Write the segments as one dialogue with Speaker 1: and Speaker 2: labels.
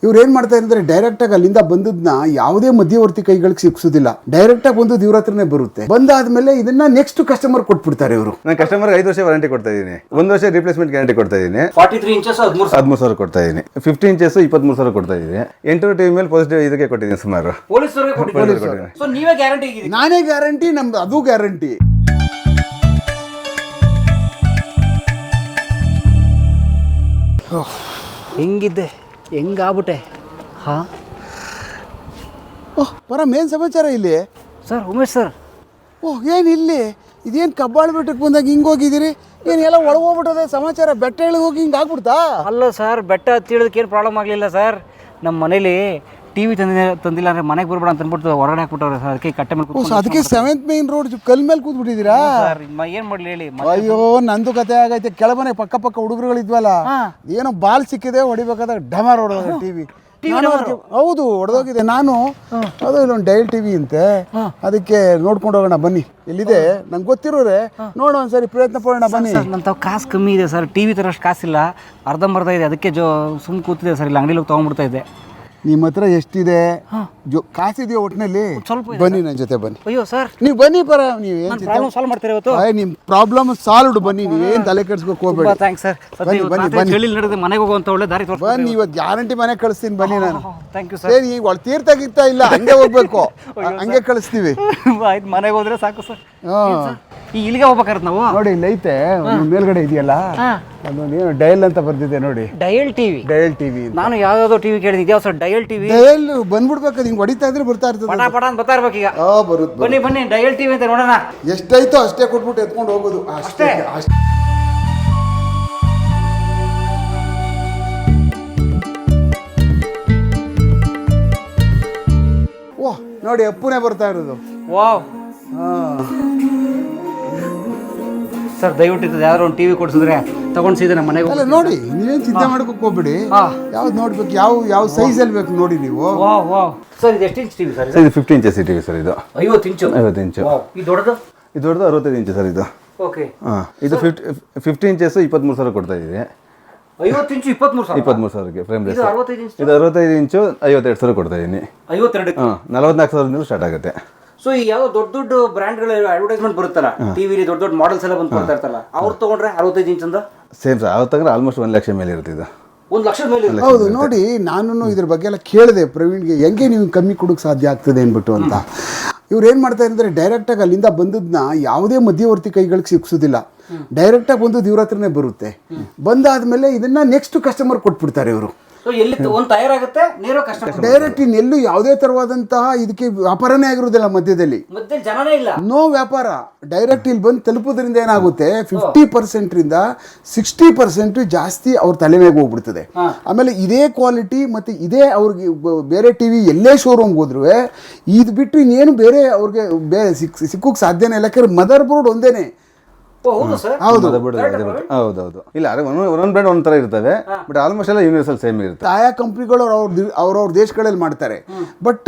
Speaker 1: ಇವ್ರು ಏನು ಮಾಡ್ತಾರೆ ಅಂದರೆ ಡೈರೆಕ್ಟಾಗಿ ಅಲ್ಲಿಂದ ಬಂದದ್ನ ಯಾವುದೇ ಮಧ್ಯವರ್ತಿ ಕೈಗಳಿಗೆ ಸಿಕ್ಸೋದಿಲ್ಲ, ಡೈರೆಕ್ಟಾಗಿ ಬಂದು ಇವ್ರ ಹತ್ರನೇ ಬರುತ್ತೆ. ಬಂದಾದ್ಮೇಲೆ ಇದನ್ನ ನೆಕ್ಸ್ಟ್ ಕಸ್ಟಮರ್ ಕೊಟ್ಬಿಡ್ತಾರೆ ಇವರು.
Speaker 2: ನಾನು ಕಸ್ಟಮರ್ಗೆ 5 ವರ್ಷ ವಾರಂಟಿ ಕೊಡ್ತಾ ಇದ್ದೀನಿ, 1 ವರ್ಷ ರಿಪ್ಲೇಸ್ಮೆಂಟ್ ಗ್ಯಾರಂಟಿ ಕೊಡ್ತಾ ಇದ್ದೀನಿ.
Speaker 3: 43 ಇಂಚಸ್
Speaker 2: 13,000 ಕೊಡ್ತಾ ಇದ್ದೀನಿ, 50 ಇಂಚಸ್ 23,000 ಕೊಡ್ತಾ ಇದ್ದೀನಿ. 8 ಟಿವಿ ಮೇಲೆ ಪಾಸಿಟಿವ್ ಇದಕ್ಕೆ ಕೊಟ್ಟಿದ್ದೀನಿ ಸುಮಾರು.
Speaker 3: ಪೊಲೀಸರಿಗೆ ಕೊಟ್ಟಿದ್ದೀನಿ. ಸೊ ನೀವೇ ಗ್ಯಾರಂಟಿ ಇದ್ದೀರಿ?
Speaker 1: ನಾನೇ ಗ್ಯಾರಂಟಿ, ನಮ್ದು ಅದು ಗ್ಯಾರಂಟಿ.
Speaker 3: ಹೆಂಗಿದ್ದೆ, ಹೆಂಗಾಗ್ಬಿಟ್ಟೆ? ಹಾಂ
Speaker 1: ಓಹ್ ಪರಮ್, ಏನು ಸಮಾಚಾರ ಇಲ್ಲಿ?
Speaker 3: Sir Umesh sir.
Speaker 1: ಓಹ್ ಏನು ಇಲ್ಲಿ ಇದೇನು ಕಬ್ಬಾಳು ಬೆಟ್ಟಕ್ಕೆ ಬಂದಾಗ ಹಿಂಗೆ ಹೋಗಿದ್ದೀರಿ? ಏನು ಎಲ್ಲ ಒಳಗೋಗ್ಬಿಟ್ಟದೆ ಸಮಾಚಾರ? ಬೆಟ್ಟ ಇಳಿದು ಹೋಗಿ ಹಿಂಗೆ ಆಗ್ಬಿಡ್ತಾ?
Speaker 3: ಅಲ್ಲ ಸರ್, ಬೆಟ್ಟ ಹತ್ತಿಡೋದಕ್ಕೆ ಏನು ಪ್ರಾಬ್ಲಮ್ ಆಗಲಿಲ್ಲ ಸರ್. ನಮ್ಮ ಮನೇಲಿ ಟಿವಿ ತಂದಿಲ್ಲ ಅಂದರೆ ಮನೆಗೆ ಬರ್ಬೇಡ ಅಂತ ಅಂದ್ಬಿಟ್ಟು ಹೊರಗಡೆ ಹಾಕ್ಬಿಟ್ಟವ್ರೆ ಸರ್. ಅದಕ್ಕೆ ಕಟ್ಟೆ ಮೇಲೆ
Speaker 1: ಓಹ್, ಅದಕ್ಕೆ 7th ಮೇನ್ ರೋಡ್ ಕಲ್ ಮೇಲೆ ಕೂತ್ಬಿಟ್ಟಿದ್ದೀರಾ?
Speaker 3: ಸರ್ ಏನು ಮಾಡಲಿ ಹೇಳಿ.
Speaker 1: ಅಯ್ಯೋ, ನಂದು ಕತೆ ಆಗೈತೆ. ಕೆಳಮನೆ ಪಕ್ಕ ಹುಡುಗರುಗಳಿದ್ವಲ್ಲ, ಏನೋ ಬಾಲ್ ಸಿಕ್ಕಿದೆ, ಹೊಡಿಬೇಕಾದಾಗ ಡಮಾರ್ ಹೊಡೆದ ಟಿವಿ. ಹೌದು, ಹೊಡೆದೋಗಿದೆ. ನಾನು ಅದು ಇಲ್ಲೊಂದು ಡೈಲ್ ಟಿವಿ ಅಂತೆ, ಅದಕ್ಕೆ ನೋಡ್ಕೊಂಡು ಹೋಗೋಣ ಬನ್ನಿ. ಎಲ್ಲಿದೆ ನಂಗೆ ಗೊತ್ತಿರೋರೆ, ನೋಡೋ ಒಂದ್ಸರಿ ಪ್ರಯತ್ನ ಪಡೋಣ ಬನ್ನಿ.
Speaker 3: ನನ್ನ ತಾವು ಕಾಸು ಕಮ್ಮಿ ಇದೆ ಸರ್, ಟಿವಿ ತರಷ್ಟು ಕಾಸಿಲ್ಲ, ಅರ್ಧಂಬರ್ಧ ಇದೆ. ಅದಕ್ಕೆ ಸುಮ್ಮನೆ ಕೂತಿದೆ ಸರ್, ಇಲ್ಲಿ ಅಂಗಡಿಲಿ ಹೋಗಿ ತೊಗೊಂಡ್ಬಿಡ್ತಾ ಇದ್ದೆ.
Speaker 1: ನಿಮ್ಮ ಹತ್ರ ಎಷ್ಟಿದೆ? ಕಾಸಿದೆಯೋ ಒಟ್ಟಿನಲ್ಲಿ?
Speaker 3: ಸ್ವಲ್ಪ
Speaker 1: ಬನ್ನಿ ನನ್ನ ಜೊತೆ ಬನ್ನಿ.
Speaker 3: ಅಯ್ಯೋ ಸರ್,
Speaker 1: ನೀವು ಬನ್ನಿ ಪರ, ನೀವು ಏನು
Speaker 3: ಪ್ರಾಬ್ಲಮ್ ಸಾಲ್ವ್ ಮಾಡ್ತೀರಾ ಇವತ್ತು?
Speaker 1: ನಿಮ್ಮ ಪ್ರಾಬ್ಲಮ್ ಸಾಲ್ವ್ಡ್, ಬನ್ನಿ. ನೀವೇನು ತಲೆ ಕೆಡ್ಸ್ಬೇಕು ಹೋಗ್ಬೇಡಿ.
Speaker 3: Thanks sir. ನಡೆದು ಮನೆಗೆ ಹೋಗುವಂತ ಒಳ್ಳೆ ದಾರಿ ತೋರಿಸಿ
Speaker 1: ಬನ್ನಿ. ಇವತ್ತು ಗ್ಯಾರಂಟಿ ಮನೆ ಕಳಿಸ್ತೀನಿ ಬನ್ನಿ. ನಾನು
Speaker 3: ಥ್ಯಾಂಕ್ ಯು ಸರ್.
Speaker 1: ಸರಿ, ಈಗ ಒಳ ತೀರ್ಥ ಇಲ್ಲ, ಹಂಗೆ ಹೋಗ್ಬೇಕು, ಹಂಗೆ ಕಳಿಸ್ತೀವಿ.
Speaker 3: ಆಯ್ತು, ಮನೆಗೆ ಹೋದ್ರೆ ಸಾಕು ಸರ್.
Speaker 1: ಹಾಂ,
Speaker 3: ಈ ಇಲ್ಲಿಗೆ ಹೋಗ್ಬೇಕಾರತ್ ನಾವು.
Speaker 1: ನೋಡಿ ಇಲ್ಲಿ ಐತೆ, ಮೇಲ್ಗಡೆ ಇದೆಯಲ್ಲ, ಅದೊಂದು ಡಯಲ್ ಅಂತ ಬರ್ದಿದೆ ನೋಡಿ.
Speaker 3: Dial TV?
Speaker 1: Dial TV.
Speaker 3: ನಾನು ಯಾವ್ದಾದ್ರು ಟಿವಿ ಕೇಳಿದ್ದೆ, ಇದ್ಯಾವ ಸರ್ ಡಯಲ್ ಟಿವಿ?
Speaker 1: ಡಯಲ್ ಬಂದ್ಬಿಡ್ಬೇಕು, ಹಿಂಗೆ ಹೊಡಿತಾ ಇದ್ರೆ ಬರ್ತಾ ಇರ್ತದೆ.
Speaker 3: ಪಟ ಅಂತ ಬರ್ತಾ ಇರ್ಬೇಕು ಈಗ.
Speaker 1: ಬರುತ್ತೆ.
Speaker 3: ಬನ್ನಿ ಡಯಲ್ ಟಿವಿ ಅಂತ ನೋಡೋಣ.
Speaker 1: ಎಷ್ಟಾಯ್ತೋ ಅಷ್ಟೇ ಕೊಟ್ಬಿಟ್ಟು ಎತ್ಕೊಂಡು ಹೋಗೋದು ಅಷ್ಟೇ. ಓಹ್ ನೋಡಿ, ಅಪ್ಪುನೇ ಬರ್ತಾ ಇರೋದು.
Speaker 3: ವಾವ್ ಸರ್, ದಯವಿಟ್ಟು ಯಾವ್ದಾದ್ರು ಒಂದು ಟಿವಿ ಕೊಡ್ಸಿದ್ರೆ ತಗೊಂಡು ಸೀದಾ ನಮ್ಮ ಮನೆಗೆ.
Speaker 1: ಅಲ್ಲ ನೋಡಿ, ನೀವೇನು ಚಿಂತೆ ಮಾಡ್ಕೋಕ್ ಹೋಗ್ಬಿಡಿ. ಯಾವ್ದು ನೋಡ್ಬೇಕು, ಯಾವ ಸೈಜಲ್ಲಿ ಬೇಕು ನೋಡಿ ನೀವು.
Speaker 3: ವಾವ್ ಸರ್, ಇದು ಎಷ್ಟು ಇಂಚ್ ಟಿವಿ ಸರ್?
Speaker 2: ಇದು 50 ಇಂಚಸ್ ಟಿವಿ ಸರ್. ಇದು
Speaker 3: 50 ಇಂಚು.
Speaker 2: 50 ಇಂಚು.
Speaker 3: ಇದು ದೊಡ್ಡದು?
Speaker 2: ಇದು ದೊಡ್ಡದು 65 ಇಂಚು ಸರ್. ಇದು
Speaker 3: ಓಕೆ.
Speaker 2: ಹಾಂ, ಇದು 50 ಇಂಚಸ್ 23,000 ಕೊಡ್ತಾ ಇದ್ದೀವಿ.
Speaker 3: 50 ಇಂಚು
Speaker 2: 23,000ಕ್ಕೆ ಫ್ರೇಮ್ ಲೆಸ್.
Speaker 3: ಇದು 65 ಇಂಚು.
Speaker 2: ಇದು 65 ಇಂಚು 52,000 ಕೊಡ್ತಾ ಇದ್ದೀನಿ.
Speaker 3: 52?
Speaker 2: ಹಾಂ, 44,000 ಸ್ಟಾರ್ಟ್ ಆಗುತ್ತೆ.
Speaker 3: ಸೊ ಈ ಯಾವ ದೊಡ್ಡ ಬ್ರ್ಯಾಂಡ್ಗಳ ಅಡ್ವರ್ಟೈಸ್ಮೆಂಟ್ ಬರುತ್ತಲ್ಲ ಟಿವಿಲಿ, ದೊಡ್ಡ ಮಾಡೆಲ್ಸ್ ಎಲ್ಲ ಬಂದು ಕೊಡ್ತಾ ಇರ್ತಾರಲ್ಲ, ಅವ್ರು ತಗೊಂಡ್ರೆ 65 ಇಂಚ್ ಅಂತ
Speaker 2: ಸೇಮ್ ಸರ್. ಅವ್ರು ತಗೊಂಡ್ರೆ ಆಲ್ಮೋಸ್ಟ್ 1 ಲಕ್ಷ ಮೇಲೆ ಇರ್ತಿದ್ದು.
Speaker 3: 1 ಲಕ್ಷದ ಮೇಲೆ?
Speaker 1: ಹೌದು ನೋಡಿ, ನಾನು ಇದ್ರ ಬಗ್ಗೆ ಎಲ್ಲ ಕೇಳಿದೆ ಪ್ರವೀಣ್ಗೆ, ಹೆಂಗೆ ನೀವು ಕಮ್ಮಿ ಕೊಡೋಕೆ ಸಾಧ್ಯ ಆಗ್ತದೆ ಅಂದ್ಬಿಟ್ಟು ಅಂತ. ಇವ್ರು ಏನು ಮಾಡ್ತಾರೆ ಅಂದರೆ ಡೈರೆಕ್ಟಾಗಿ ಅಲ್ಲಿಂದ ಬಂದದ್ನ ಯಾವುದೇ ಮಧ್ಯವರ್ತಿ ಕೈಗಳಿಗೆ ಸಿಕ್ಸೋದಿಲ್ಲ, ಡೈರೆಕ್ಟಾಗಿ ಬಂದದ್ದು ಇವ್ರ ಹತ್ರನೇ ಬರುತ್ತೆ. ಬಂದಾದ್ಮೇಲೆ ಇದನ್ನ ನೆಕ್ಸ್ಟ್ ಕಸ್ಟಮರ್ ಕೊಟ್ಬಿಡ್ತಾರೆ ಇವರು.
Speaker 3: ಎಲ್ಲಿ ಒಂದು ತಯಾರಾಗುತ್ತೆ ನೇರ ಕಸ್ಟಮರ್
Speaker 1: ಡೈರೆಕ್ಟ್. ಇನ್ನೆಲ್ಲೂ ಯಾವುದೇ ತರವಾದಂತಹ ಇದಕ್ಕೆ ವ್ಯಾಪಾರನೇ ಆಗಿರೋದಿಲ್ಲ, ಮಧ್ಯದಲ್ಲಿ
Speaker 3: ಜನನೇ ಇಲ್ಲ,
Speaker 1: ನೋ ವ್ಯಾಪಾರ. ಡೈರೆಕ್ಟ್ ಇಲ್ಲಿ ಬಂದು ತಲುಪೋದ್ರಿಂದ ಏನಾಗುತ್ತೆ, 50%ರಿಂದ 60% ಜಾಸ್ತಿ ಅವ್ರ ತಲೆ ಮೇಲೆ ಹೋಗ್ಬಿಡ್ತದೆ. ಆಮೇಲೆ ಇದೇ ಕ್ವಾಲಿಟಿ ಮತ್ತು ಇದೇ ಅವ್ರಿಗೆ ಬೇರೆ ಟಿವಿ ಎಲ್ಲೇ ಶೋರೂಮ್ಗೆ ಹೋದ್ರು ಇದು ಬಿಟ್ಟು ಇನ್ನೇನು ಬೇರೆ ಅವ್ರಿಗೆ ಸಿಕ್ಕೋಕೆ ಸಾಧ್ಯನೇ ಇಲ್ಲ. ಯಾಕಂದ್ರೆ ಮದರ್ ಬೋರ್ಡ್ ಒಂದೇನೆ.
Speaker 2: ಹೌದೌದು. ಇಲ್ಲ, ಒಂದೊಂದು ಬ್ರ್ಯಾಂಡ್ ಒಂಥರ ಇರ್ತವೆ, ಬಟ್ ಆಲ್ಮೋಸ್ಟ್ ಎಲ್ಲ ಯೂನಿವರ್ಸಲ್ ಸೇಮ್ ಇರುತ್ತೆ.
Speaker 1: ಆಯಾ ಕಂಪ್ನಿಗಳು ಅವ್ರವ್ರ ದೇಶಗಳಲ್ಲಿ ಮಾಡ್ತಾರೆ. ಬಟ್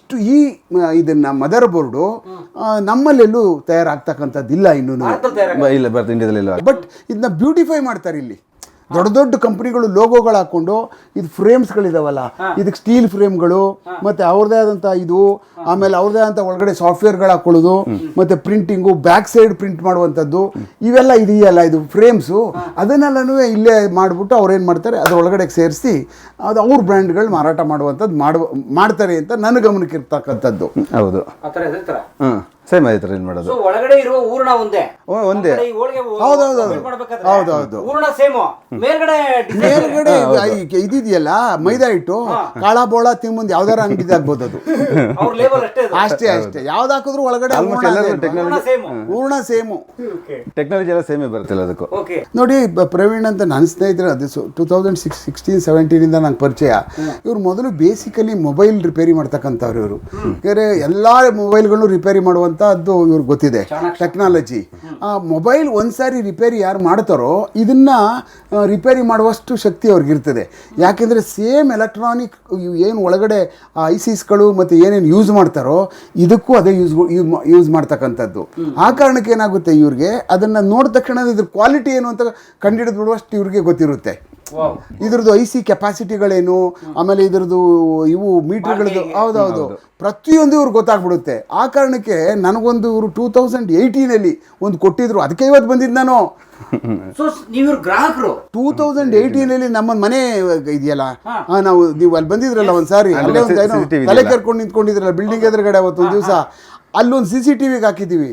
Speaker 1: ಇದನ್ನ ಮದರ್ ಬೋರ್ಡು ನಮ್ಮಲ್ಲೆಲ್ಲೂ ತಯಾರಾಗ್ತಕ್ಕಂಥದ್ದಿಲ್ಲ ಇನ್ನೂ.
Speaker 2: ಇಲ್ಲ, ಬರ್ತಾ ಇಂಡಿಯಾದಲ್ಲಿ ಇಲ್ಲ.
Speaker 1: ಬಟ್ ಇದನ್ನ ಬ್ಯೂಟಿಫೈ ಮಾಡ್ತಾರೆ ಇಲ್ಲಿ. ದೊಡ್ಡ ಕಂಪ್ನಿಗಳು ಲೋಗೋಗಳು ಹಾಕೊಂಡು, ಇದು ಫ್ರೇಮ್ಸ್ಗಳಿದಾವಲ್ಲ, ಇದಕ್ಕೆ ಸ್ಟೀಲ್ ಫ್ರೇಮ್ಗಳು, ಮತ್ತು ಅವ್ರದ್ದೇ ಆದಂಥ ಇದು, ಆಮೇಲೆ ಅವ್ರದ್ದೇ ಆದಂಥ ಒಳಗಡೆ ಸಾಫ್ಟ್ವೇರ್ಗಳು ಹಾಕೊಳ್ಳೋದು, ಮತ್ತು ಪ್ರಿಂಟಿಂಗು, ಬ್ಯಾಕ್ ಸೈಡ್ ಪ್ರಿಂಟ್ ಮಾಡುವಂಥದ್ದು, ಇವೆಲ್ಲ ಇದೆಯಲ್ಲ, ಇದು ಫ್ರೇಮ್ಸು, ಅದನ್ನೆಲ್ಲನೂ ಇಲ್ಲೇ ಮಾಡಿಬಿಟ್ಟು ಅವ್ರು ಏನು ಮಾಡ್ತಾರೆ, ಅದ್ರ ಒಳಗಡೆ ಸೇರಿಸಿ ಅದು ಅವ್ರ ಬ್ರ್ಯಾಂಡ್ಗಳು ಮಾರಾಟ ಮಾಡುವಂಥದ್ದು ಮಾಡ್ತಾರೆ ಅಂತ ನನ್ನ ಗಮನಕ್ಕೆ ಇರ್ತಕ್ಕಂಥದ್ದು.
Speaker 2: ಹೌದು, ಸೇಮ್ ಆಯ್ತು ಏನು ಮಾಡೋದು.
Speaker 3: ಒಳಗಡೆ ಇರುವ ಹೂರಣ ಒಂದೇ.
Speaker 1: ಹೌದೌದು.
Speaker 3: ಮೇಲ್ಗಡೆ
Speaker 1: ಇದಿದೆಯಲ್ಲ ಮೈದಾ ಹಿಟ್ಟು, ಕಾಳ ಬೋಳ ತಿಂಬಂದು ಯಾವ್ದಾರ ಅಂಗಡಿ ಆಗ್ಬೋದು ಅದು. ಅಷ್ಟೇ ಯಾವ್ದು ಹಾಕಿದ್ರು ಒಳಗಡೆ ಹೂರ್ಣ ಸೇಮು.
Speaker 2: ಟೆಕ್ನಾಲಜಿ ಎಲ್ಲ ಸೇಮೇ ಬರುತ್ತಿಲ್ಲ ಅದಕ್ಕೂ.
Speaker 1: ನೋಡಿ, ಪ್ರವೀಣ್ ಅಂತ ನನ್ನ ಸ್ನೇಹಿತರು, ಅದು 2016-17 ನಂಗೆ ಪರಿಚಯ. ಇವ್ರು ಮೊದಲು ಬೇಸಿಕಲಿ ಮೊಬೈಲ್ ರಿಪೇರಿ ಮಾಡ್ತಕ್ಕಂಥವ್ರು ಇವರು. ಯಾಕಂದರೆ ಎಲ್ಲ ಮೊಬೈಲ್ಗಳು ರಿಪೇರಿ ಮಾಡುವಂಥದ್ದು ಇವ್ರಿಗೆ ಗೊತ್ತಿದೆ, ಟೆಕ್ನಾಲಜಿ. ಮೊಬೈಲ್ ಒಂದ್ಸಾರಿ ರಿಪೇರಿ ಯಾರು ಮಾಡ್ತಾರೋ ಇದನ್ನ ರಿಪೇರಿ ಮಾಡುವಷ್ಟು ಶಕ್ತಿ ಅವ್ರಿಗಿರ್ತದೆ. ಯಾಕೆಂದರೆ ಸೇಮ್ ಎಲೆಕ್ಟ್ರಾನಿಕ್ ಏನು ಒಳಗಡೆ ಐಸಿಸ್ಗಳು ಮತ್ತು ಏನೇನು ಯೂಸ್ ಮಾಡ್ತಾರೋ ಇದಕ್ಕೂ ಅದೇ ಯೂಸ್ ಮಾಡ್ತಕ್ಕಂಥದ್ದು. ಆ ಕಾರಣಕ್ಕೆ ಏನಾಗುತ್ತೆ, ಇವ್ರಿಗೆ ಅದನ್ನು ನೋಡಿದ ತಕ್ಷಣ ಇದ್ರ ಕ್ವಾಲಿಟಿ ಏನು ಅಂತ ಕಂಡುಹಿಡಿದು ಬಿಡುವಷ್ಟು ಇವ್ರಿಗೆ ಗೊತ್ತಿರುತ್ತೆ. ಇದ್ರದ್ದು IC ಕೆಪಾಸಿಟಿಗಳೇನು, ಆಮೇಲೆ ಇದ್ರದ್ದು ಇವು ಮೀಟರ್ಗಳದ್ದು, ಹೌದೌದು ಪ್ರತಿಯೊಂದು ಇವ್ರಿಗೆ ಗೊತ್ತಾಗ್ಬಿಡುತ್ತೆ. ಆ ಕಾರಣಕ್ಕೆ ನನಗೊಂದು ಇವರು 2018 ಒಂದು ಕೊಟ್ಟಿದ್ರು, ಅದಕ್ಕೆ ಇವತ್ತು ಬಂದಿದ್ದು ನಾನು.
Speaker 3: ನೀವು ಗ್ರಾಹಕರು
Speaker 1: 2018 ನಮ್ಮ ಮನೆ ಇದೆಯಲ್ಲ, ನೀವು ಅಲ್ಲಿ ಬಂದಿದ್ರಲ್ಲ ಒಂದ್ಸಾರಿ, ಅಲ್ಲೇ ಒಂದು ಏನೋ ತಲೆ ಕರ್ಕೊಂಡು ನಿಂತ್ಕೊಂಡಿದ್ರಲ್ಲ ಬಿಲ್ಡಿಂಗ್ ಎದುರುಗಡೆ ಅವತ್ತೊಂದು ದಿವಸ, ಅಲ್ಲೊಂದು CCTV ಹಾಕಿದ್ದೀವಿ.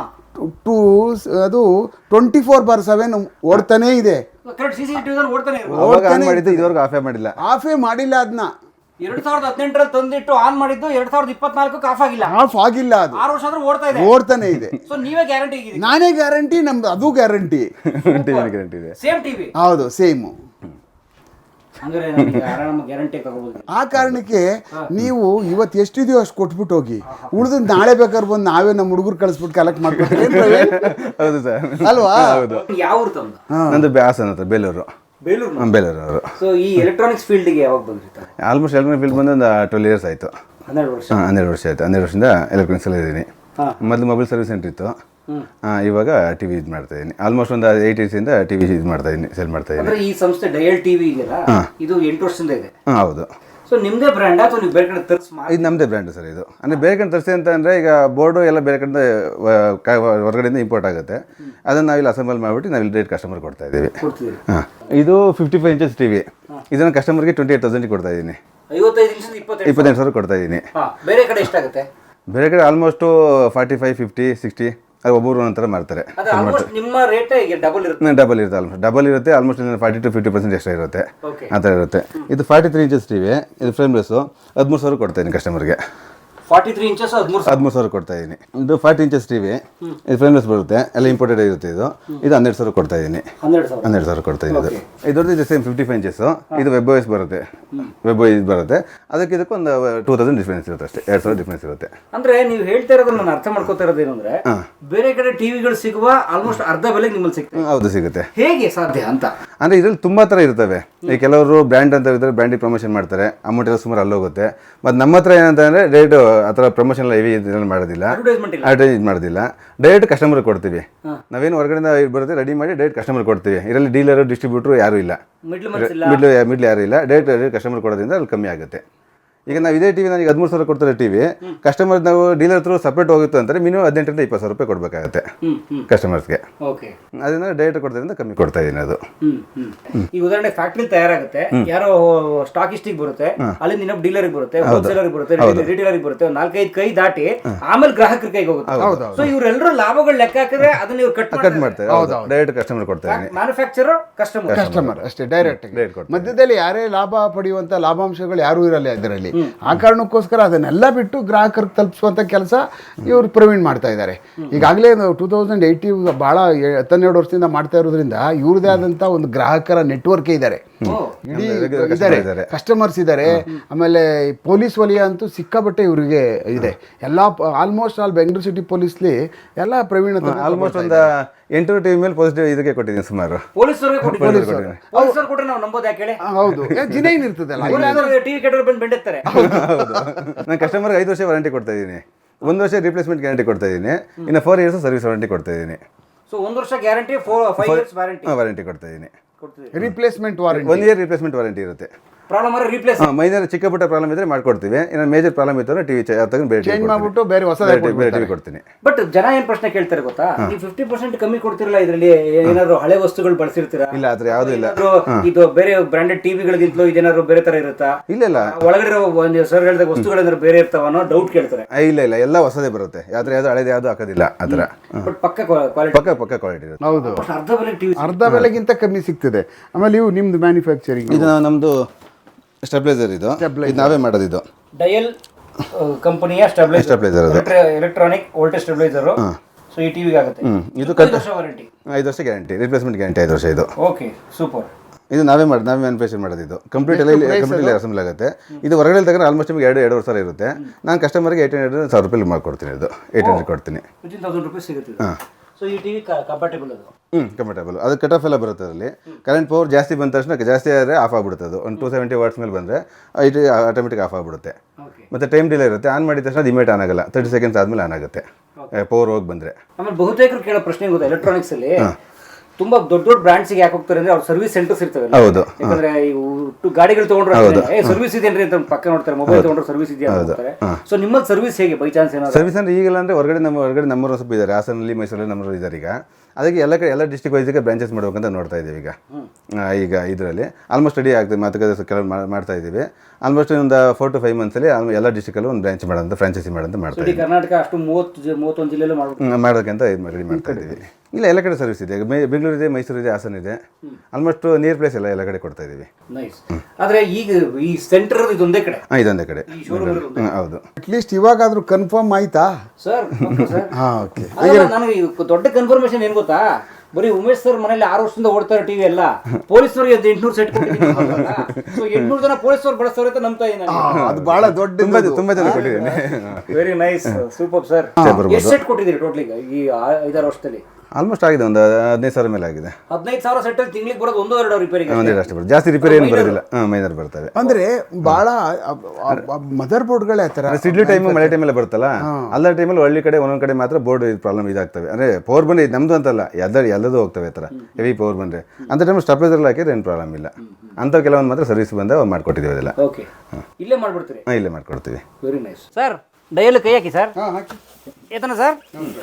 Speaker 1: ಅದು 24/7 ಓಡ್ತಾನೇ ಇದೆ. ಆಫೇ ಮಾಡಿಲ್ಲ ಅದನ್ನ.
Speaker 3: 2018 ತಂದಿಟ್ಟು ಆನ್ ಮಾಡಿದ್ದು 2024 ಆಫ್ ಆಗಿಲ್ಲ.
Speaker 1: ಆಫ್ ಆಗಿಲ್ಲ, ಅದು
Speaker 3: 6 ವರ್ಷ ಆದ್ರೂ
Speaker 1: ಓಡ್ತಾನೆ ಇದೆ.
Speaker 3: ಸೊ ನೀವೇ ಗ್ಯಾರಂಟಿ?
Speaker 1: ನಾನೇ ಗ್ಯಾರಂಟಿ, ನಮ್ದು ಅದು ಗ್ಯಾರಂಟಿ.
Speaker 2: ಗ್ಯಾರಂಟಿ ಇದೆ.
Speaker 3: Same TV?
Speaker 1: ಹೌದು, ಸೇಮ್. ಆ ಕಾರಣಕ್ಕೆ ನೀವು ಇವತ್ತು ಎಷ್ಟಿದೆಯೋ ಅಷ್ಟು ಕೊಟ್ಬಿಟ್ಟು ಹೋಗಿ, ಉಳಿದು ನಾಳೆ ಬೇಕಾದ್ರೆ ಬಂದು ನಾವೇ ನಮ್ಮ ಹುಡುಗರು ಕಳಿಸ್ಬಿಟ್ಟು ಕಲೆಕ್ಟ್ ಮಾಡ್ಕೊತೀವಿ.
Speaker 2: ಹೌದು ಸರ್,
Speaker 1: ಅಲ್ವಾ?
Speaker 3: ಯಾವ ಊರು ತಮ್ಮದು?
Speaker 2: ನಂದು ಹಾಸನ ಹತ್ರ, ಬೇಲೂರು. ಬೇಲೂರು.
Speaker 3: ಸೊ ಈ ಎಲೆಕ್ಟ್ರಾನಿಕ್ಸ್ ಫೀಲ್ಡ್ಗೆ ಯಾವಾಗ ಬಂದಿರ್ತಾರೆ?
Speaker 2: ಆಲ್ಮೋಸ್ಟ್ ಎಲೆಕ್ಟ್ರಾನಿಕ್ ಫೀಲ್ಡ್ ಬಂದು ಒಂದು 12 years ಆಯಿತು.
Speaker 3: 12 ವರ್ಷ.
Speaker 2: 12 ವರ್ಷ ಆಯಿತು. 12 ವರ್ಷದಿಂದ ಎಲೆಕ್ಟ್ರಾನಿಕ್ಸ್ ಅಲ್ಲಿ ಇದ್ದೀನಿ. ಮೊದಲು ಮೊಬೈಲ್ ಸರ್ವಿಸ್ ಸೆಂಟರ್ ಇತ್ತು, ಇವಾಗ ಟಿವಿ ಇದು ಮಾಡ್ತಾ ಇದ್ದೀನಿ. ಆಲ್ಮೋಸ್ಟ್ ಒಂದು 8 years ಇಂದ ಟಿವಿ ಇದು ಮಾಡ್ತಾ ಇದ್ದೀನಿ, ಸೆಲ್ ಮಾಡ್ತಾ ಇದ್ದೀನಿ.
Speaker 3: ಈ ಸಂಸ್ಥೆ ಡಯಲ್ ಟಿವಿ ಇದೆಯಲ್ಲ, ಇದು 8 ವರ್ಷದಿಂದ ಇದೆ.
Speaker 2: ಹೌದು.
Speaker 3: ಸೊ ನಿಮ್ಮದೇ ಬ್ರ್ಯಾಂಡ್ ಅಥವಾ ನೀವು ಬೇರೆ ಕಡೆ ತರಿಸಿ?
Speaker 2: ಇದು ನಮ್ಮದೇ ಬ್ರ್ಯಾಂಡ್ ಸರ್. ಇದು ಅಂದರೆ ಬೇರೆ ಕಡೆ ತರಿಸಿ ಅಂತ ಅಂದರೆ, ಈಗ ಬೋರ್ಡು ಎಲ್ಲ ಬೇರೆ ಕಡೆ ಹೊರಗಡೆಯಿಂದ ಇಂಪೋರ್ಟ್ ಆಗುತ್ತೆ. ಅದನ್ನು ನಾವಿಲ್ಲಿ ಅಸೆಂಬಲ್ ಮಾಡಿಬಿಟ್ಟು ನಾವಿಲ್ಲಿ ಡೈರೆಕ್ಟ್ ಕಸ್ಟಮರ್ ಕೊಡ್ತಾ ಇದ್ದೀವಿ. ಹಾಂ, ಇದು 55 inches ಟಿವಿ. ಇದನ್ನು ಕಸ್ಟಮರ್ಗೆ 28,000 ಕೊಡ್ತಾ ಇದ್ದೀನಿ. 25,000 ಕೊಡ್ತಾ ಇದ್ದೀನಿ.
Speaker 3: ಬೇರೆ ಕಡೆ ಎಷ್ಟಾಗುತ್ತೆ?
Speaker 2: ಬೇರೆ ಕಡೆ ಆಲ್ಮೋಸ್ಟು 45, 50, 60 ಅದು ಒಬ್ಬರು ಒಂಥರ ಮಾಡ್ತಾರೆ.
Speaker 3: ನಿಮ್ಮ ರೇಟ್ ಡಬಲ್ ಇರುತ್ತೆ?
Speaker 2: ಡಬಲ್ ಇರುತ್ತೆ. ಆಲ್ಮೋಸ್ಟ್ 40 to 50% ಎಕ್ಸ್ಟ್ರಾ ಇರುತ್ತೆ, ಆ ಥರ ಇರುತ್ತೆ. ಇದು 43 inches ಟಿವಿ, ಇದು ಫ್ರೇಮ್ಲೆಸ್ಸು. 13,000 ಕೊಡ್ತಾ ಇದ್ದೀನಿ ಕಸ್ಟಮರ್ಗೆ.
Speaker 3: 43 inches
Speaker 2: 13,000 ಕೊಡ್ತಾ ಇದ್ದೀನಿ. ಇದು 40 inches ಟಿವಿ, ಇದು ಫ್ರೇಮ್ಲೆಸ್ ಬರುತ್ತೆ, ಎಲ್ಲ ಇಂಪೋರ್ಟೆಡ್ ಇರುತ್ತೆ. ಇದು 12,000 ಕೊಡ್ತಾ ಇದ್ದೀನಿ. 12,000 ಕೊಡ್ತಾ ಇದ್ದೀನಿ. ಇದರದ್ದು ಇದು ಸೇಮ್ 55 inches. ಇದು ವೆಬ್ OS ಬರುತ್ತೆ, ವೆಬ್ OS ಬರುತ್ತೆ. ಅದಕ್ಕೆ ಇದಕ್ಕೆ ಒಂದು 2,000 ಡಿಫ್ರೆನ್ಸ್ ಇರುತ್ತೆ ಅಷ್ಟೇ, 2,000 ಡಿಫ್ರೆನ್ಸ್ ಇರುತ್ತೆ.
Speaker 3: ಅಂದ್ರೆ ನೀವು ಹೇಳ್ತಾ ಇರೋದು ನಾನು ಅರ್ಥ ಮಾಡ್ಕೋತಾ ಇರೋದು ಏನಂದ್ರೆ, ಬೇರೆ ಕಡೆ ಟಿವಿಗಳು ಸಿಗುವ ಆಲ್ಮೋಸ್ಟ್ ಅರ್ಧ ಬೆಲೆಗೆ ನಿಮ್ಮಲ್ಲಿ ಸಿಗುತ್ತೆ.
Speaker 2: ಹೌದು, ಸಿಗುತ್ತೆ.
Speaker 3: ಹೇಗೆ ಸಾಧ್ಯ ಅಂತ
Speaker 2: ಅಂದರೆ ಇದರಲ್ಲಿ ತುಂಬ ಥರ ಇರ್ತವೆ. ಈ ಕೆಲವರು ಬ್ರ್ಯಾಂಡ್ ಅಂತ ಇರ್ತಾರೆ, ಬ್ರ್ಯಾಂಡಿಗೆ ಪ್ರಮೋಷನ್ ಮಾಡ್ತಾರೆ, ಅಮೌಂಟ್ ಎಲ್ಲ ಸುಮಾರು ಅಲ್ಲೋಗುತ್ತೆ. ಮತ್ತು ನಮ್ಮ ಹತ್ರ ಏನಂತಂದರೆ ರೇಟ್ ಆ ಥರ ಪ್ರಮೋಷನ್ ಎಲ್ಲ ಹೆವಿ ಇದನ್ನು ಮಾಡೋದಿಲ್ಲ, ಅಡ್ವರ್ಟೈಸ್ ಮಾಡೋದಿಲ್ಲ. ಡೈರೆಕ್ಟ್ ಕಸ್ಟಮರ್ ಕೊಡ್ತೀವಿ. ನಾವೇನು ಹೊರಗಡೆಯಿಂದ ಬರುತ್ತೆ ರೆಡಿ ಮಾಡಿ ಡೈರೆಕ್ಟ್ ಕಸ್ಟಮರ್ ಕೊಡ್ತೀವಿ. ಇದರಲ್ಲಿ ಡೀಲರು, ಡಿಸ್ಟ್ರಿಬ್ಯೂಟ್ರು ಯಾರೂ ಇಲ್ಲ, ಮಿಡ್ಲ್ ಯಾರೂ ಇಲ್ಲ. ಡೈರೆಕ್ಟ್ ಕಸ್ಟಮರ್ ಕೊಡೋದ್ರಿಂದ ಅಲ್ಲಿ ಕಮ್ಮಿ ಆಗುತ್ತೆ. ಈಗ ನಾವು ಇದೇ ಟಿವಿ ನನಗೆ 13,000 ಕೊಡ್ತಾರೆ ಟಿವಿ, ಕಸ್ಟಮರ್ ನಾವು ಡೀಲರ್ ಹತ್ರ ಸಪ್ರೇಟ್ ಹೋಗುತ್ತೆ ಅಂತಾರೆ ಮಿನಿಮಮ್ 18,000 to 20,000 ಕೊಡಬೇಕಾಗುತ್ತೆ ಕಸ್ಟಮರ್ಸ್ಗೆ. ಅದನ್ನ ಡೈರೆಕ್ಟ್ ಕೊಡೋದ್ರಿಂದ ಕಮ್ಮಿ ಕೊಡ್ತಾ ಇದ್ದೀನಿ. ಅದು
Speaker 3: ಈ ಉದಾಹರಣೆ ಫ್ಯಾಕ್ಟ್ರಿ ತಯಾರಾಗುತ್ತೆ, ಯಾರೋ ಸ್ಟಾಕಿಸ್ಟಿಗೆ ಬರುತ್ತೆ, ಅಲ್ಲಿಂದ ಇನ್ನೊಬ್ಬ ಡೀಲರ್ಗೆ ಬರುತ್ತೆ, ಹೋಲ್ಸೇಲರ್ಗೆ ಬರುತ್ತೆ, ರಿಟೇಲರ್ಗೆ ಬರುತ್ತೆ, 4-5 ಕೈ ದಾಟಿ ಆಮೇಲೆ ಗ್ರಾಹಕರ ಕೈಗೆ ಹೋಗುತ್ತೆ. ಸೊ ಇವರೆಲ್ಲರೂ ಲಾಭಗಳು ಲೆಕ್ಕ ಹಾಕಿದ್ರೆ ಅದನ್ನ ಇವ್ರು ಕಟ್ ಮಾಡ್ತಾರೆ.
Speaker 2: ಡೈರೆಕ್ಟ್ ಕಸ್ಟಮರ್ ಕೊಡ್ತಾ ಇದ್ದೀನಿ.
Speaker 3: ಮ್ಯಾನುಫ್ಯಾಕ್ಚರರ್ ಕಸ್ಟಮರ್
Speaker 1: ಅಷ್ಟೇ, ಡೈರೆಕ್ಟ್. ಮಧ್ಯದಲ್ಲಿ ಯಾರೇ ಲಾಭ ಪಡೆಯುವಂತ ಲಾಭಾಂಶಗಳು ಯಾರೂ ಇರಲ್ಲ ಇದರಲ್ಲಿ. ಆ ಕಾರಣಕ್ಕೋಸ್ಕರ ಅದನ್ನೆಲ್ಲ ಬಿಟ್ಟು ಗ್ರಾಹಕರಿಗೆ ತಲುಪಿಸುವಂತ ಕೆಲಸ ಇವರು ಪ್ರವೀಣ್ ಮಾಡ್ತಾ ಇದ್ದಾರೆ. ಈಗಾಗಲೇ 2018 ಬಹಳ 12 ವರ್ಷದಿಂದ ಮಾಡ್ತಾ ಇರೋದ್ರಿಂದ ಇವ್ರದೇ ಆದಂತ ಒಂದು ಗ್ರಾಹಕರ ನೆಟ್ವರ್ಕ್ ಇದ್ದಾರೆ, ಇದ್ದಾರೆ, ಕಸ್ಟಮರ್ಸ್ ಇದ್ದಾರೆ. ಆಮೇಲೆ ಪೊಲೀಸ್ ವಲಯ ಅಂತೂ ಸಿಕ್ಕಾಬಟ್ಟೆ ಇವರಿಗೆ ಇದೆ. ಎಲ್ಲ ಆಲ್ಮೋಸ್ಟ್ ಆಲ್ ಬೆಂಗಳೂರು ಸಿಟಿ ಪೊಲೀಸ್ಲಿ ಎಲ್ಲ ಪ್ರವೀಣ್
Speaker 2: ಆಲ್ಮೋಸ್ಟ್ ಒಂದು 8 ಟಿವಿ ಮೇಲೆ ಪಾಸಿಟಿವ್ ಇದಕ್ಕೆ ಕೊಟ್ಟಿದ್ದೀನಿ ಸುಮಾರು.
Speaker 1: ಹೌದು, ಜಿನೈನ್ ಇರ್ತದಲ್ಲ,
Speaker 2: ನಾನು ಕಸ್ಟಮರ್ಗೆ 5 ವರ್ಷ ವಾರಂಟಿ ಕೊಡ್ತಾ ಇದ್ದೀನಿ, 1 ವರ್ಷ ರಿಪ್ಲೇಸ್ಮೆಂಟ್ ಗ್ಯಾರಂಟಿ ಕೊಡ್ತಾ ಇದ್ದೀನಿ, ಇನ್ನು 4 years ಸರ್ವಿಸ್ ವಾರಂಟಿ ಕೊಡ್ತಾ ಇದ್ದೀನಿ.
Speaker 3: ಸೊ 1 ವರ್ಷ ಗ್ಯಾರಂಟಿ, 5 years
Speaker 2: ವಾರಂಟಿ ಕೊಡ್ತಾ ಇದ್ದೀನಿ.
Speaker 1: Replacement warranty,
Speaker 2: 1 year replacement warranty ಇರುತ್ತೆ. ಮೈನರ್ ಚಿಕ್ಕ ಪುಟ್ಟ ಪ್ರಾಬ್ಲಮ್ ಇದ್ರೆ ಮಾಡ್ಕೊಡ್ತೀವಿ. ಇನ್ನು ಮೇಜರ್ ಪ್ರಾಬ್ಲಮ್ ಇತ್ತು ಟಿವಿ
Speaker 1: ಚೇಂಜ್ ಮಾಡ್ಬಿಟ್ಟು ಬೇರೆ ಹೊಸ
Speaker 2: ಟಿವಿ ಕೊಡ್ತೀನಿ.
Speaker 3: ಬಟ್ ಜನ ಏನ್ ಪ್ರಶ್ನೆ ಕೇಳ್ತಾರೆ ಗೊತ್ತಾ, ನೀವು 50% ಕಮ್ಮಿ ಕೊಡ್ತಿರಲ್ಲ, ಇದರಲ್ಲಿ ಏನಾದ್ರು ಹಳೆ ವಸ್ತುಗಳು ಬಳಸಿರ್ತೀರಾ?
Speaker 2: ಇಲ್ಲ, ಆದ್ರೆ ಯಾವ್ದು ಇಲ್ಲ.
Speaker 3: ಇದು ಬೇರೆ ಬ್ರಾಂಡೆಡ್ ಟಿವಿಗಳಿಗಿಂತಲೂ ಇದೇನಾದ್ರು ಬೇರೆ ತರ ಇರುತ್ತಾ?
Speaker 2: ಇಲ್ಲ,
Speaker 3: ಒಳಗಡೆ ಸರ್ ಹೇಳಿದ ವಸ್ತುಗಳೇನಾದ್ರು ಬೇರೆ ಇರ್ತಾವ ಅನ್ನೋ ಡೌಟ್ ಕೇಳ್ತಾರೆ.
Speaker 2: ಇಲ್ಲ, ಎಲ್ಲ ಹೊಸದೇ ಬರುತ್ತೆ. ಯಾವ್ದು ಹಳೇದು ಯಾವ್ದು ಹಾಕೋದಿಲ್ಲ ಆ ಥರ.
Speaker 3: ಪಕ್ಕ ಕ್ವಾಲಿಟಿ
Speaker 2: ಇರುತ್ತೆ.
Speaker 1: ಹೌದು, ಅರ್ಧ ಬೆಲೆಗಿಂತ ಕಮ್ಮಿ ಸಿಗ್ತದೆ. ಆಮೇಲೆ ಇವು ನಿಮ್ದು ಮ್ಯಾನುಫ್ಯಾಕ್ಚರಿಂಗ್,
Speaker 2: ಇದು ನಮ್ದು ಸ್ಟೆಬಿಲೈಸರ್, ಇದು ನಾವೇ ಮಾಡೋದು. ಇದು
Speaker 3: ಡಯಲ್ ಕಂಪನಿಯ stabiliser, electronic voltage stabiliser. So ಈ ಟಿವಿಗೆ ಆಗುತ್ತೆ.
Speaker 2: ಇದು 5 ವರ್ಷ ಗ್ಯಾರಂಟಿ, ರಿಪ್ಲೇಸ್ಮೆಂಟ್ ಗ್ಯಾರಂಟಿ 5 ವರ್ಷ. ಇದು
Speaker 3: ಓಕೆ, ಸೂಪರ್.
Speaker 2: ಇದು ನಾವೇ ಮ್ಯಾನುಫ್ಯಾಕ್ಚರ್ ಮಾಡೋದು. ಇದು ಕಂಪ್ಲೀಟ್ ಎಲ್ಲ ಅಸೆಂಬಲ್ ಆಗುತ್ತೆ. ಇದು ಹೊರಗಡೆ ತಗೊಂಡ್ರೆ ಆಲ್ಮೋಸ್ಟ್ ನಿಮಗೆ 2.5 ಸಾವಿರ ಇರುತ್ತೆ. ನಾನು ಕಸ್ಟಮರ್ಗೆ 800 ರೂಪಾಯಿ ಮಾಡ್ಕೊಡ್ತೀನಿ. ಇದು 800 ಕೊಡ್ತೀನಿ.
Speaker 3: 1000 ರೂಪಾಯಿ ಸಿಗುತ್ತೆ. ಸೊ ಈ ಟಿವಿ ಕಂಫರ್ಟೇಬಲ್, ಅದು
Speaker 2: ಕಂಫರ್ಟೇಬಲ್. ಅದು ಕಟ್ ಆಫ್ ಎಲ್ಲ ಬರುತ್ತೆ. ಅದರಲ್ಲಿ ಕರೆಂಟ್ ಪವರ್ ಜಾಸ್ತಿ ಬಂದ ತಕ್ಷಣ, ಜಾಸ್ತಿ ಆದರೆ ಆಫ್ ಆಗಿಬಿಡುತ್ತೆ. ಅದು ಒಂದು 270 watts ಮೇಲೆ ಬಂದರೆ ಇದು ಆಟೋಮೆಟಿಕ್ ಆಫ್ ಆಗಿಬಿಡುತ್ತೆ. ಮತ್ತು ಟೈಮ್ ಡಿಲೇ ಇರುತ್ತೆ. ಆನ್ ಮಾಡಿದ ತಕ್ಷಣ ಅದು ಇಮಿಡಿಯೇಟ್ ಆನ್ ಆಗಲ್ಲ, 30 seconds ಆದಮೇಲೆ ಆನ್ ಆಗುತ್ತೆ ಪವರ್ ಹೋಗಿ ಬಂದರೆ.
Speaker 3: ಆಮೇಲೆ ಬಹುತೇಕರು ಕೇಳೋ ಪ್ರಶ್ನೆ ಗೊತ್ತಾ, ಎಲೆಕ್ಟ್ರಾನಿಕ್ಸ್ ಅಲ್ಲಿ ತುಂಬಾ ದೊಡ್ಡ ದೊಡ್ಡ ಬ್ರಾಂಡ್ಸ್ ಯಾಕೆ ಹೋಗ್ತಾರೆ ಅಂದ್ರೆ ಅವ್ರ ಸರ್ವಿಸ್ ಸೆಂಟರ್ಸ್ ಇರ್ತವೆ.
Speaker 2: ಹೌದು.
Speaker 3: ಯಾಕಂದ್ರೆ ಗಾಡಿಗಳು ತಗೊಂಡ್ರೆ ಸರ್ವಿಸ್ ಇದೆಯನ್ರಿ ಅಂತ ಪಕ್ಕ ನೋಡ್ತಾರೆ, ಮೊಬೈಲ್ ತಗೊಂಡ್ರೆ ಸರ್ವಿಸ್ ಇದೆಯಾ ಅಂತ ನೋಡ್ತಾರೆ. ಸೊ ನಿಮ್ಮಲ್ಲಿ ಸರ್ವಿಸ್ ಹೇಗೆ ಬೈ ಚಾನ್ಸ್ ಏನಾದ್ರು
Speaker 2: ಸರ್ವಿಸ್ ಅಂದ್ರೆ ಈಗಲ್ಲ ಅಂದ್ರೆ ಹೊರಗಡೆ ನಮ್ಮೂರು ಸ್ವಲ್ಪ ಇದ್ದಾರೆ, ಹಾಸನಲ್ಲಿ ಮೈಸೂರಲ್ಲಿ ನಮ್ಮೂರು ಇದ್ದಾರೆ. ಈಗ ಅದಕ್ಕೆ ಎಲ್ಲ ಡಿಸ್ಟ್ರಿಕ್ಟ್ ವೈಸ್ಗೆ ಬ್ರಾಂಚಸ್ ಮಾಡ್ಬೇಕಂತ ನೋಡ್ತಾ ಇದ್ದೀವಿ ಈಗ ಇದರಲ್ಲಿ ಆಲ್ಮೋಸ್ಟ್ ರೆಡಿ ಆಗ್ತದೆ, ಮಾತುಕತೆ ಕೆಲವು ಮಾಡ್ತಾ ಇದ್ದೀವಿ. ಆಲ್ಮೋಸ್ಟ್ ಒಂದು 4 to 5 ಮಂತ್ಸಲ್ಲಿ ಎಲ್ಲ ಡಿಸ್ಟ್ರಿಕ್ಟಲ್ಲೂ ಒಂದು ಬ್ರಾಂಚ್ ಮಾಡೋಂಥ ಫ್ರಾಂಚೈಸಿ ಮಾಡೋಂತ ಮಾಡ್ತಾ ಇದ್ದೀವಿ.
Speaker 3: ಕರ್ನಾಟಕ ಅಷ್ಟು 30-31 ಜಿಲ್ಲೆಲ್ಲೂ
Speaker 2: ಮಾಡೋದಕ್ಕಿಂತ ರೆಡಿ ಮಾಡ್ತಾ ಇದ್ದೀವಿ. ಇಲ್ಲ ಎಲ್ಲ ಕಡೆ ಸರ್ವಿಸ್ ಇದೆ, ಬೆಂಗಳೂರು ಇದೆ, ಮೈಸೂರು ಇದೆ, ಹಾಸನ ಇದೆ. ಆಲ್ಮೋಸ್ಟ್ ನಿಯರ್ ಪ್ಲೇಸ್ ಎಲ್ಲ ಕಡೆ ಕೊಡ್ತಾ ಇದ್ದೀವಿ.
Speaker 3: ಆದ್ರೆ ಈಗ ಈ ಸೆಂಟರ್ ಇದೊಂದೇ ಕಡೆ,
Speaker 2: ಇದೊಂದೇ ಕಡೆ. ಹೌದು.
Speaker 1: ಅಟ್ಲೀಸ್ಟ್ ಇವಾಗಾದ್ರೂ ಕನ್ಫರ್ಮ್ ಆಯ್ತಾ
Speaker 3: ಸರ್?
Speaker 1: ಓಕೆ.
Speaker 3: ನನಗೆ ದೊಡ್ಡ ಕನ್ಫರ್ಮೇಶನ್ ಏನ್ ಗೊತ್ತಾ, ಬರೀ ಉಮೇಶ್ ಸರ್ ಮನೇಲಿ 6 ವರ್ಷದಿಂದ ಓಡ್ತಾರೆ ಟಿವಿ ಎಲ್ಲ, ಪೊಲೀಸ್ನವ್ರಿಗೆ 800 ಸೆಟ್ ಕೊಟ್ಟಿದ್ದೀನಿ. ಸೊ 800 ಜನ ಪೊಲೀಸ್ನವ್ರು ಬಳಸ್ತಾರೆ ಅಂತ ನಂಬ್ತಾ ಇದ್ದೀನಿ.
Speaker 1: ಅದು ಬಹಳ ದೊಡ್ಡ,
Speaker 2: ತುಂಬಾ ಜನ ಕೊಟ್ಟಿದ್ದೀನಿ.
Speaker 3: Very nice, super sir. ಎಷ್ಟು ಸೆಟ್ ಕೊಟ್ಟಿದ್ದೀರಿ ಟೋಟಲಿ ಈ 5-6 ವರ್ಷದಲ್ಲಿ?
Speaker 2: ಆಲ್ಮೋಸ್ಟ್ ಆಗಿದೆ, ಒಂದು 15,000 ಮೇಲೆ ಆಗಿದೆ.
Speaker 3: 15,000 ಸೆಟ್ ಅಲ್ಲಿ ತಿಂಗಳಿಗೆ ಬರೋದು 1-2 ರಿಪೇರಿಗೆ
Speaker 2: ಅಷ್ಟೇ ಬರುತ್ತೆ, ಜಾಸ್ತಿ ರಿಪೇರಿ ಏನು ಬರೋದಿಲ್ಲ. ಮೈನರ್ ಬರ್ತವೆ.
Speaker 1: ಅಂದ್ರೆ ಬಹಳ ಮದರ್ ಬೋರ್ಡ್ಗಳೇ ಆ ಥರ
Speaker 2: ಸಿಡ್ಲಿ ಟೈಮ್ ಮಳೆ ಟೈಮೆಲ್ಲ ಬರುತ್ತಲ್ಲ, ಅಲ್ಲ ಟೈಮಲ್ಲಿ ಹಳ್ಳಿ ಕಡೆ ಒಂದೊಂದು ಕಡೆ ಮಾತ್ರ ಬೋರ್ಡ್ ಪ್ರಾಬ್ಲಮ್ ಇದಾಗ್ತವೆ. ಅಂದರೆ ಪವರ್ ಬಂದು ನಮ್ಮದು ಅಂತಲ್ಲ, ಎಲ್ಲದೂ ಹೋಗ್ತವೆ ಆ ಥರ ಹೆವಿ ಪವರ್ ಬಂದರೆ. ಅಂಥ ಟೈಮ್ ಸ್ಟಾಪೇಜಲ್ಲಿ ಹಾಕಿದ್ರೆ ಏನು ಪ್ರಾಬ್ಲಮ್ ಇಲ್ಲ. ಅಂಥವು ಕೆಲವೊಂದು ಮಾತ್ರ ಸರ್ವಿಸ್ ಬಂದ ಮಾಡ್ಕೊಟ್ಟಿದ್ದೀವಿ ಅದೆಲ್ಲ.
Speaker 3: ಓಕೆ, ಇಲ್ಲೇ ಮಾಡ್ಬಿಡ್ತೀರಿ?
Speaker 2: ಇಲ್ಲೇ ಮಾಡ್ಕೊಡ್ತೀವಿ.
Speaker 3: Very nice sir. ಡೈಯಲ್ಲಿ ಕೈ ಹಾಕಿ ಸರ್. ಏತನ ಸರ್?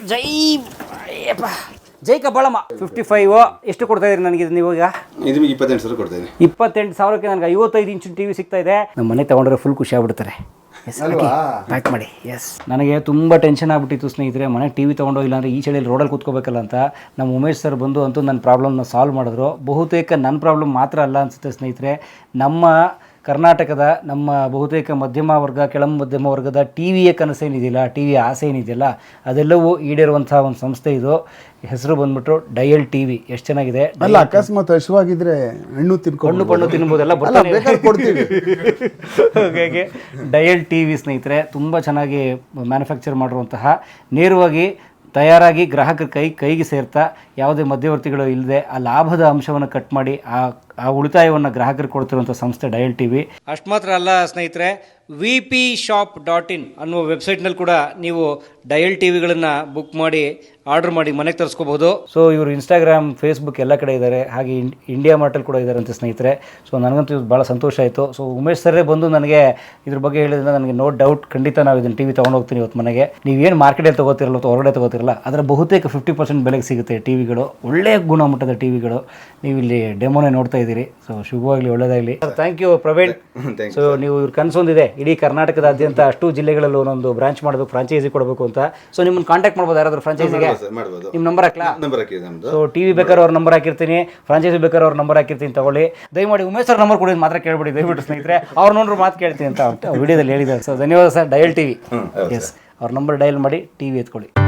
Speaker 3: ಜೈ ಕಬ್ಬಾಳಮ್ಮ. 55 ಎಷ್ಟು ಕೊಡ್ತಾ ಇದ್ರಿ ನನಗೆ ನೀವು ಈಗ?
Speaker 2: ಇದು 28,000 ಕೊಡ್ತಾ ಇದ್ದೀನಿ.
Speaker 3: 28,000ಕ್ಕೆ ನನಗೆ 55 ಇಂಚಿನ ಟಿವಿ ಸಿಗ್ತಾ ಇದೆ. ನಮ್ಮ ಮನೆ ತಗೊಂಡ್ರೆ ಫುಲ್ ಖುಷಿ ಆಗ್ಬಿಡ್ತಾರೆ. ಪ್ಯಾಕ್ ಮಾಡಿ. ಎಸ್, ನನಗೆ ತುಂಬ ಟೆನ್ಷನ್ ಆಗ್ಬಿಟ್ಟಿತ್ತು ಸ್ನೇಹಿತರೆ, ಮನೆ ಟಿವಿ ತೊಗೊಂಡೋ ಇಲ್ಲಾಂದರೆ ಈ ಚಳಿಯಲ್ಲಿ ರೋಡಲ್ಲಿ ಕೂತ್ಕೋಬೇಕಲ್ಲ ಅಂತ. ನಮ್ಮ ಉಮೇಶ್ ಸರ್ ಬಂದು ಅಂತೂ ನನ್ನ ಪ್ರಾಬ್ಲಮ್ನ ಸಾಲ್ವ್ ಮಾಡಿದ್ರು. ಬಹುತೇಕ ನನ್ನ ಪ್ರಾಬ್ಲಮ್ ಮಾತ್ರ ಅಲ್ಲ ಅನಿಸುತ್ತೆ ಸ್ನೇಹಿತರೆ, ನಮ್ಮ ಕರ್ನಾಟಕದ ನಮ್ಮ ಬಹುತೇಕ ಮಧ್ಯಮ ವರ್ಗ, ಕೆಳ ಮಧ್ಯಮ ವರ್ಗದ ಟಿ ವಿಯ ಕನಸೇನಿದೆಯಲ್ಲ, ಟಿ ವಿಯ ಆಸೆ ಏನಿದೆಯಲ್ಲ, ಅದೆಲ್ಲವೂ ಈಡೇರುವಂಥ ಒಂದು ಸಂಸ್ಥೆ ಇದು. ಹೆಸರು ಬಂದ್ಬಿಟ್ಟು ಡಯಲ್ ಟಿವಿ. ಎಷ್ಟು ಚೆನ್ನಾಗಿದೆ.
Speaker 1: ಅಲ್ಲ, ಅಕಸ್ಮಾತ್ ಹಸಿವಾಗಿದ್ರೆ ಹಣ್ಣು
Speaker 3: ತಿನ್ಬೋದೆಲ್ಲ
Speaker 1: ಕೊಡ್ತೀವಿ.
Speaker 3: ಹಾಗಾಗಿ ಡಯಲ್ ಟಿವಿ ಸ್ನೇಹಿತರೆ ತುಂಬ ಚೆನ್ನಾಗಿ ಮ್ಯಾನುಫ್ಯಾಕ್ಚರ್ ಮಾಡಿರುವಂತಹ, ನೇರವಾಗಿ ತಯಾರಾಗಿ ಗ್ರಾಹಕರ ಕೈಗೆ ಸೇರ್ತಾ ಯಾವುದೇ ಮಧ್ಯವರ್ತಿಗಳು ಇಲ್ಲದೆ ಆ ಲಾಭದ ಅಂಶವನ್ನು ಕಟ್ ಮಾಡಿ ಆ ಉಳಿತಾಯವನ್ನು ಗ್ರಾಹಕರಿಗೆ ಕೊಡ್ತಿರುವಂಥ ಸಂಸ್ಥೆ ಡಯಲ್ ಟಿವಿ. ಅಷ್ಟು ಮಾತ್ರ ಅಲ್ಲ ಸ್ನೇಹಿತರೆ, vpshop.in ಅನ್ನುವ ವೆಬ್ಸೈಟ್ನಲ್ಲಿ ಕೂಡ ನೀವು ಡಯಲ್ ಟಿವಿಗಳನ್ನು ಬುಕ್ ಮಾಡಿ ಆರ್ಡರ್ ಮಾಡಿ ಮನೆಗೆ ತರಿಸ್ಕೋಬಹುದು. ಸೊ ಇವರು ಇನ್ಸ್ಟಾಗ್ರಾಮ್, ಫೇಸ್ಬುಕ್ ಎಲ್ಲ ಕಡೆ ಇದ್ದಾರೆ, ಹಾಗೆ ಇಂಡಿಯಾ ಮಾರ್ಟಲ್ಲಿ ಕೂಡ ಇದ್ದಾರೆ ಅಂತ ಸ್ನೇಹಿತರೆ. ಸೊ ನನಗಂತೂ ಇದು ಭಾಳ ಸಂತೋಷ ಆಯಿತು. ಸೊ ಉಮೇಶ್ ಸರ್ರೇ ಬಂದು ನನಗೆ ಇದ್ರ ಬಗ್ಗೆ ಹೇಳಿದ್ರೆ ನನಗೆ ನೋ ಡೌಟ್ ಖಂಡಿತ ನಾವು ಇದನ್ನು ಟಿವಿ ತೊಗೊಂಡು ಹೋಗ್ತೀನಿ ಇವತ್ತು ಮನೆಗೆ. ನೀವೇನು ಮಾರ್ಕೆಟಲ್ಲಿ ತೊಗೋತಿರಲ್ಲ ಅಥವಾ ಹೊರಗಡೆ ತೊಗೋತಿರಲ್ಲ, ಅದರ ಬಹುತೇಕ 50% ಬೆಲೆಗೆ ಸಿಗುತ್ತೆ ಟಿವಿಗಳು, ಒಳ್ಳೆಯ ಗುಣಮಟ್ಟದ ಟಿವಿಗಳು. ನೀವು ಇಲ್ಲಿ ಡೆಮೋನೇ ನೋಡ್ತಾ ಇದ್ದೀರಿ. ಸೊ ಶುಭವಾಗಲಿ, ಒಳ್ಳೆಯದಾಗಲಿ. Thank you Praveen. ಸೊ ನೀವು ಇವ್ರ ಕನಸೊಂದಿದೆ, ಇಡೀ ಕರ್ನಾಟಕದಾದ್ಯಂತ ಅಷ್ಟು ಜಿಲ್ಲೆಗಳಲ್ಲೂ ಒಂದೊಂದು ಬ್ರಾಂಚ್ ಮಾಡಬೇಕು, ಫ್ರಾಂಚೈಸಿ ಕೊಡಬೇಕು ಅಂತ. ಸೊ ನಿಮ್ಮನ್ನು ಕಾಂಟ್ಯಾಕ್ಟ್ ಮಾಡ್ಬೋದು ಯಾರಾದರೂ ಫ್ರಾಂಚೈಸಿಗೆ? ನಿಮ್ಮ ನಂಬರ್ ಹಾಕ್ಲಾ? ಸೊ ಟಿವಿ ಬೇಕಾದ್ರೆ ಅವ್ರ ನಂಬರ್ ಹಾಕಿರ್ತೀನಿ, ಫ್ರಾಂಚೈಸಿ ಬೇಕಾದ್ರೆ ಅವ್ರ ನಂಬರ್ ಹಾಕಿರ್ತೀನಿ, ತಗೊಳ್ಳಿ. ದಯಮಾಡಿ ಉಮೇಶ್ ಸರ್ ನಂಬರ್ ಕೊಡೋದು ಮಾತ್ರ ಕೇಳ್ಬಿಡಿ ದಯವಿಟ್ಟು ಸ್ನೇಹಿತರೆ. ಅವ್ರು ನೋಡ್ರು ಮಾತು ಕೇಳ್ತೀನಿ ಅಂತ ವಿಡಿಯೋದಲ್ಲಿ ಹೇಳಿದ್ದಾರೆ. ಸೊ ಧನ್ಯವಾದ ಸರ್. Dial TV. ಎಸ್, ಅವ್ರ ನಂಬರ್ ಡಯಲ್ ಮಾಡಿ ಟಿವಿ ಎತ್ಕೊಳ್ಳಿ.